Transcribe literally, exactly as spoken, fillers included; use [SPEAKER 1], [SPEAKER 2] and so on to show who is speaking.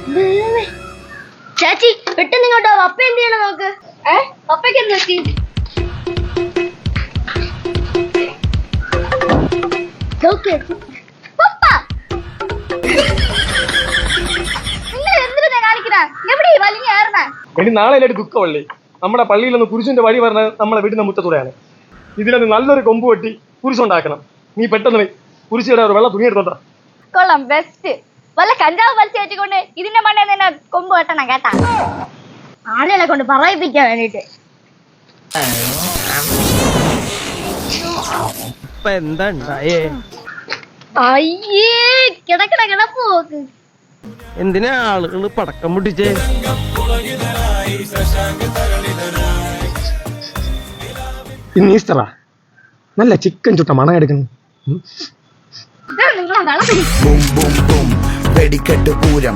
[SPEAKER 1] ചേച്ചി പെട്ടെന്ന് ഇങ്ങോട്ടോ. പപ്പ എന്ത് ചെയ്യണം നോക്ക്. ഏ പപ്പയ്ക്ക് എന്ത് പറ്റി? പപ്പ നിങ്ങൾ എന്തിനാ കാണിക്കണ? എവിടെ വലിഞ്ഞ ഏറണ?
[SPEAKER 2] എടി നാളെ ദുഃഖമല്ലേ. നമ്മുടെ പള്ളിയിൽ നിന്ന് കുരിശിന്റെ വഴി പറഞ്ഞത് നമ്മളെ വീടിന്റെ മുറ്റത്തൂടെയാണ്. ഇതിലൊന്ന് നല്ലൊരു കൊമ്പ് വെട്ടി കുരിശുണ്ടാക്കണം. നീ പെട്ടെന്ന് കുരിശിയുടെ ഒരു വെള്ള തുണി എടുത്തോട്ടാ.
[SPEAKER 1] കൊള്ളാം, ബെസ്റ്റ്. വല്ല കഞ്ചാവ് വലിച്ചു വെച്ചുകൊണ്ട് ഇതിന്റെ മണ്ണേ തന്നെ കൊമ്പ് വെട്ടണം കേട്ടാ. ആളുകളെ കൊണ്ട് പറയിപ്പിക്കാൻ വേണ്ടിട്ട്. അയ്യേ കിടക്കണ കിടപ്പ് നോക്ക്.
[SPEAKER 3] എന്തിനാ ആളുകള് പടക്കം പൊട്ടിച്ചേ?
[SPEAKER 2] ഇന്ന് ഈസ്റ്ററാ. നല്ല ചിക്കൻ ചുട്ട മണം എടുക്കുന്നു.
[SPEAKER 1] നിങ്ങളെ
[SPEAKER 4] വെടിക്കെട്ട് പൂരം